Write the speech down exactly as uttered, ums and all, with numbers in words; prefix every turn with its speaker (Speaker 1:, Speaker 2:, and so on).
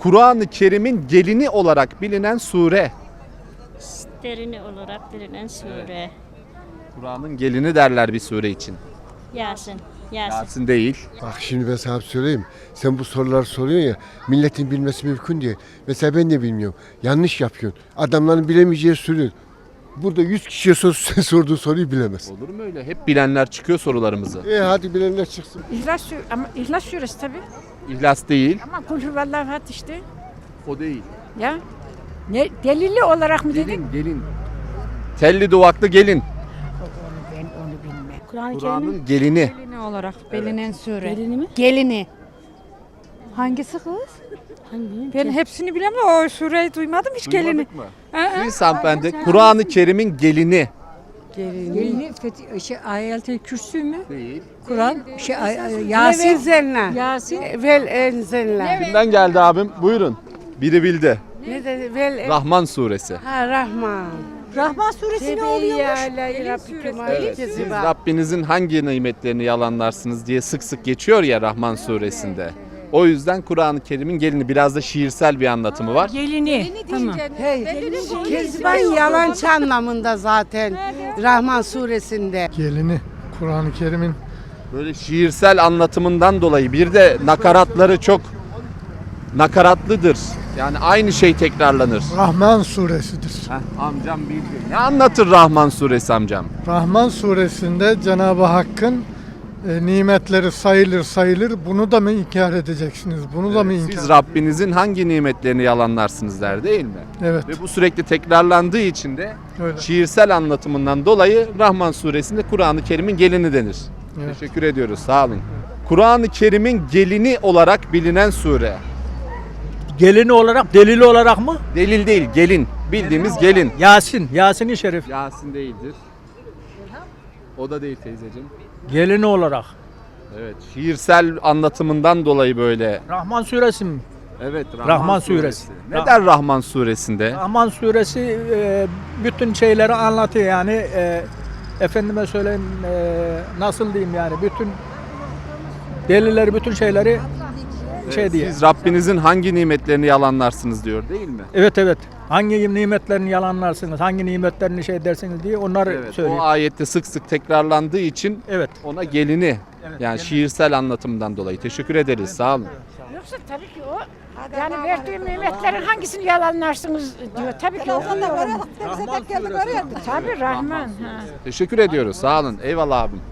Speaker 1: Kur'an-ı Kerim'in gelini olarak bilinen sure.
Speaker 2: Derini olarak bilinen sure.
Speaker 1: Kur'an'ın gelini derler bir sure için.
Speaker 2: Yasin. Yasin.
Speaker 1: Yasin değil.
Speaker 3: Bak şimdi ben sana bir söyleyeyim. Sen bu soruları soruyorsun ya, milletin bilmesi mümkün değil. Mesela ben de bilmiyorum. Yanlış yapıyorsun. Adamların bilemeyeceği soruyor. Burada yüz kişiye sor, sen sorduğun soruyu bilemez.
Speaker 1: Olur mu öyle? Hep bilenler çıkıyor sorularımızı.
Speaker 3: E hadi bilenler çıksın.
Speaker 4: İhlas Suresi ama İhlas Suresi tabii.
Speaker 1: İhlas değil.
Speaker 4: Ama Kul huvallahu ahad işte.
Speaker 1: O değil.
Speaker 4: Ya. Ne delili olarak mı dedin?
Speaker 1: Gelin, gelin. Telli duvaklı gelin.
Speaker 4: Ben onu bilmem.
Speaker 2: Kur'an-ı Kerim'in
Speaker 1: Kur'an'ın gelini.
Speaker 5: Gelini olarak bilinen sure.
Speaker 2: gelini mi?
Speaker 5: Gelini. Hangisi kız?
Speaker 2: Hangi?
Speaker 5: Ben hepsini bilemem. O sureyi duymadım hiç gelini.
Speaker 1: Duymadık mı?
Speaker 5: Aa,
Speaker 1: Siz hanımefendi Kur'an-ı Kerim'in gelini.
Speaker 4: Gelini fethi, şey, Ayet-i Kürsü mü?
Speaker 1: Değil.
Speaker 4: Kur'an, şey, ay- ay-
Speaker 6: Vel
Speaker 4: Yasin.
Speaker 6: enzelna.
Speaker 4: Yasin.
Speaker 6: Vel enzelna.
Speaker 1: Kimden geldi abim? Buyurun. Biri bildi.
Speaker 6: Ne dedi? Vel
Speaker 1: Rahman suresi.
Speaker 6: Ha Rahman.
Speaker 4: Rahman Suresi ne oluyormuş?
Speaker 1: Evet. Siz Rabbinizin hangi nimetlerini yalanlarsınız diye sık sık geçiyor ya Rahman suresinde. O yüzden Kur'an-ı Kerim'in gelini, biraz da şiirsel bir anlatımı var.
Speaker 4: Gelini. Tamam.
Speaker 6: Hey, Kezban yalancı anlamında zaten Rahman suresinde.
Speaker 7: Gelini Kur'an-ı Kerim'in
Speaker 1: Böyle şiirsel anlatımından dolayı bir de nakaratları çok nakaratlıdır. Yani aynı şey tekrarlanır.
Speaker 7: Rahman suresidir.
Speaker 1: Heh, amcam bildi. Ne anlatır Rahman suresi amcam?
Speaker 7: Rahman suresinde Cenab-ı Hakk'ın e, nimetleri sayılır sayılır. Bunu da mı inkar edeceksiniz? Bunu da mı inkar?
Speaker 1: Siz Rabbinizin hangi nimetlerini yalanlarsınız der değil mi?
Speaker 7: Evet.
Speaker 1: Ve bu sürekli tekrarlandığı için de
Speaker 7: Öyle.
Speaker 1: şiirsel anlatımından dolayı Rahman suresinde Kur'an-ı Kerim'in gelini denir.
Speaker 7: Evet.
Speaker 1: Teşekkür ediyoruz. Sağ olun. Kur'an-ı Kerim'in gelini olarak bilinen sure.
Speaker 8: Gelini olarak, delili olarak mı?
Speaker 1: Delil değil, gelin. Bildiğimiz gelin.
Speaker 8: Yasin, Yasin-i Şerif.
Speaker 1: Yasin değildir. O da değil teyzeciğim.
Speaker 8: Gelini olarak.
Speaker 1: Evet, şiirsel anlatımından dolayı böyle.
Speaker 8: Rahman suresi mi?
Speaker 1: Evet, Rahman,
Speaker 8: Rahman
Speaker 1: suresi.
Speaker 8: suresi.
Speaker 1: Ne der Rahman suresinde?
Speaker 8: Rahman suresi e, bütün şeyleri anlatıyor yani. E, efendime söyleyeyim, e, nasıl diyeyim yani, bütün delilleri, bütün şeyleri şey
Speaker 1: Evet,
Speaker 8: diye.
Speaker 1: siz Rabbinizin hangi nimetlerini yalanlarsınız diyor değil mi?
Speaker 8: Evet evet. Hangi nimetlerini yalanlarsınız, hangi nimetlerini şey dersiniz diye onları
Speaker 1: Evet,
Speaker 8: söylüyor.
Speaker 1: o ayette sık sık tekrarlandığı için
Speaker 8: Evet.
Speaker 1: ona gelini,
Speaker 8: Evet,
Speaker 1: yani
Speaker 8: gelini.
Speaker 1: şiirsel anlatımdan dolayı teşekkür ederiz. Sağ olun.
Speaker 4: Yoksa tabii ki o yani verdiğim nimetlerin hangisini yalanlarsınız diyor. Tabii ki o.
Speaker 8: Rahman suresi.
Speaker 4: Tabii Rahman. Ha.
Speaker 1: Teşekkür ediyoruz. Sağ olun. Eyvallah abim.